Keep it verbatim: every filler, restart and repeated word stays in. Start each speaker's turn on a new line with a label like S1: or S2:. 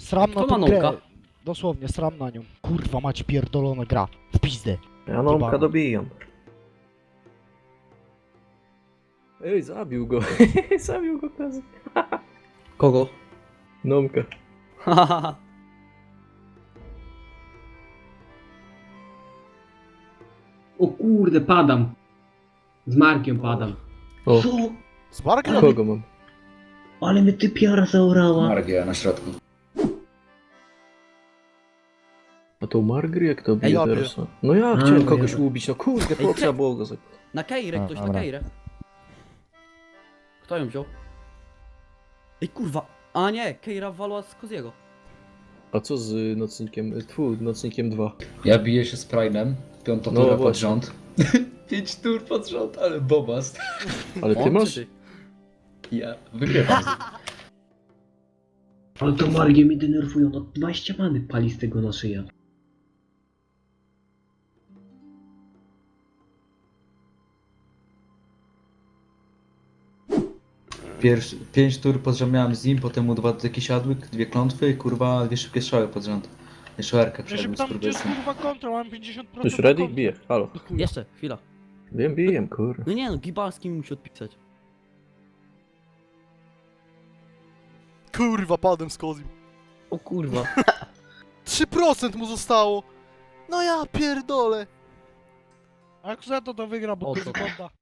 S1: Sram na
S2: Kto
S1: tą
S2: ma
S1: grę.
S2: Nomka?
S1: Dosłownie, sram na nią. Kurwa, mać pierdolona gra. W pizdę.
S3: Ja Nomka
S1: Jebana.
S3: dobijam. Ej, zabił go. Zabił go kazy.
S2: Kogo?
S3: Nomka.
S4: O kurde, padam. Z Markiem padam.
S3: O,
S4: Co?
S1: Z Barkiem?
S3: kogo mam?
S4: Ale mnie typiara zaorała.
S5: Margia na środku.
S3: A to Margry jak to
S1: Ej,
S3: bije
S1: łapie.
S3: teraz? No ja
S4: A,
S3: chciałem
S4: no
S3: kogoś
S4: ja-
S3: ubić, no kurde, po
S2: Ej,
S3: trzeba było go za...
S2: Na Keirę
S1: A,
S2: ktoś, na
S1: dobra.
S2: Keirę. Kto ją wziął? Ej kurwa. A nie, Keira walła z Koziego.
S3: A co z nocnikiem? Tfu, nocnikiem dwa.
S5: Ja biję się z Prime'em, piąta
S3: No
S5: tura pod
S3: właśnie.
S5: rząd. Pięć tur pod rząd, ale bobast.
S3: Ale ty
S2: On
S3: masz?
S2: czy
S5: Ja wygrywam.
S4: Ale to Margie mnie denerwują. No dwadzieścia many pali z tego na szyję.
S5: Pierwszy, pięć tur pod rząd miałem z nim, potem mu dwa dotyki siadły, dwie klątwy i kurwa dwie szybkie strzały pod rząd. Jeszcze erkę
S1: Ja się
S5: przed
S1: pytam, gdzie jest
S5: skurwysem.
S1: kurwa kontra, mam pięćdziesiąt procent
S3: Już ready?
S1: kontra.
S3: Bije, halo.
S1: Do chuja.
S2: Jeszcze, chwila.
S3: Wiem, bijem, kurde.
S2: No nie no, Gibalski mi musi odpisać.
S6: Kurwa, padłem z Kozim.
S2: O kurwa.
S6: trzy procent mu zostało. No ja pierdolę.
S1: A jak za to to wygra, bo
S2: O,
S1: kurwa
S2: to-
S1: konta.